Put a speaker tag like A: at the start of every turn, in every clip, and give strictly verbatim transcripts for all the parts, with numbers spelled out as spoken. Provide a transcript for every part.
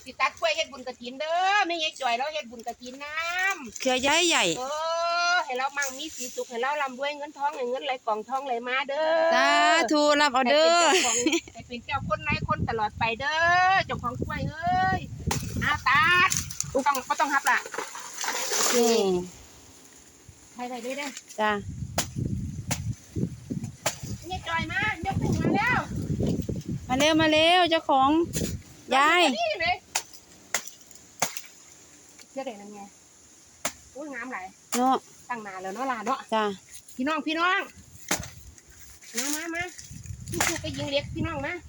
A: สิตัดกล้วยเฮ็ดบุญกฐินเด้อไม่ใช่จ่อยแล้วเฮ็ดบุญกฐินน้ำ
B: เครือใหญ่ใหญ่
A: เออให้เรามั่งมีสีสุขให้เราร่ำรวยเงินทองให้เงินไหลกล่องทองไหลมาเด้อ
B: สาธุรับเอาเด้อ
A: ให้เป็นเจ้าคนไหนคนตลอดไปเด้อเจ้าของกล้วยเอ้ยอาตัดต้องก็ต้องฮับล่ะ
B: นี่
A: ใครไปด้วยเด้อ
B: จ้า
A: นี่จ่อยมายกถึงมาแล้ว
B: มาเร็วมาเร็วเจ้าของยาย
A: นี่เลยเชื่อได้นั่นไงอุ้ยงามไหล
B: เนาะ
A: ตั้งนานแล้วเนาะลาเนาะ
B: จ้า
A: พี่น้องพี่น้องมามามาพี่ชูไปยิงเล็กพี่น้องนะ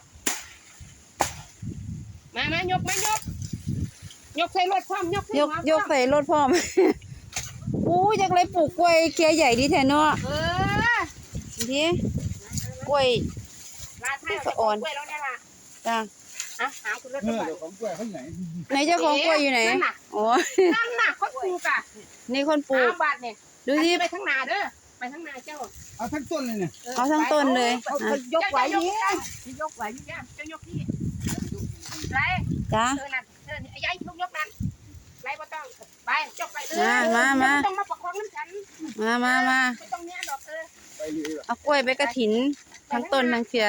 A: มามายกมายกยกใส่รถพร้อมยก
B: ยกยกใส่รถพร้อมอู้อยากเลยปลูกกล้วยเครือใหญ่ดีแท้เนาะ
A: เออ
B: ดีกล้วย
A: ลาไทยเอากล้วยแล้วเนี่ยล่ะ
B: จ้า
A: อ่ะหาคุณรถก่อนเจ้าของกล้วยเขาไหน
B: ไหนเจ้าของกล้วยอยู่ไหนอ๋อ
A: นั่นน่ะคนปลูกอ่ะ
B: นี่คนปลูก
A: บาทเนี่ยดูที่ไปทั้งนาเด้อไปทั้งนาเจ้า
C: เอาทั้งต้นเลยเนี่ย
B: เอาทั้งต้นเลย
A: ยกไหวนี่ยกไหวนี่เจ้ายกนี่ไร
B: จ้า
A: เธอนั่นเธอไอ้ยัยยกยกนั่นไรบ่ต้องไปยกไปเลย
B: มามา
A: ต้องมาประคองน้ำฉัน
B: มามามา
A: ไม่ต้องเนี้ยดอกเออ
B: เอากล้วยไปกระถินทั้งต้นทั้งเครือ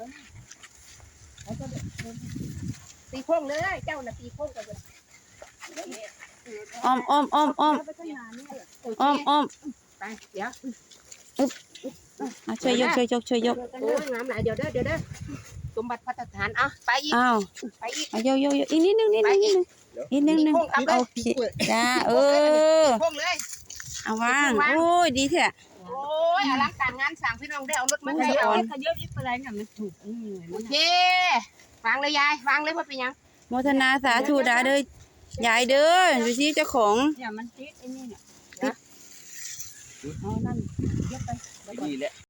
A: ตีโค้งเลยเจ้าน่ะตีโค้งกันเลย
B: อ้อมอ้อมอ้อมอ้อมอ้อมอ้อม
A: ไปเดี๋ยว
B: อึ๊บช่วยยกช่วยยกช่วยยก
A: โอ้ยงามหลายเดี๋ยวเด้อเดี๋ยวเด้อสมบัติพัฒฐานอ่ะไปอีก
B: อ้าว
A: ไปอีก
B: เอาโยโยโยอีกนิดนึงนิดนึงนิดนึงนิดนึงนึงโอเคจ้าเออ
A: โค้งเลย
B: เอาวางโอ้ยดีเถอะ
A: โอ้ยอลังการงานสั่งพี่น้องได้เอารถมาให้เอาขยับยิ่งไปไรกันมันถูกโอเควางเลยยายวางเลยว่าเป็นยัง
B: โมทนาสาธุดาเด้อยายเด้อดูสิเจ้าของ
A: อย่ามันติดไอ้นี่เนี่ยเอานั่นยกไป
C: นี่แหละ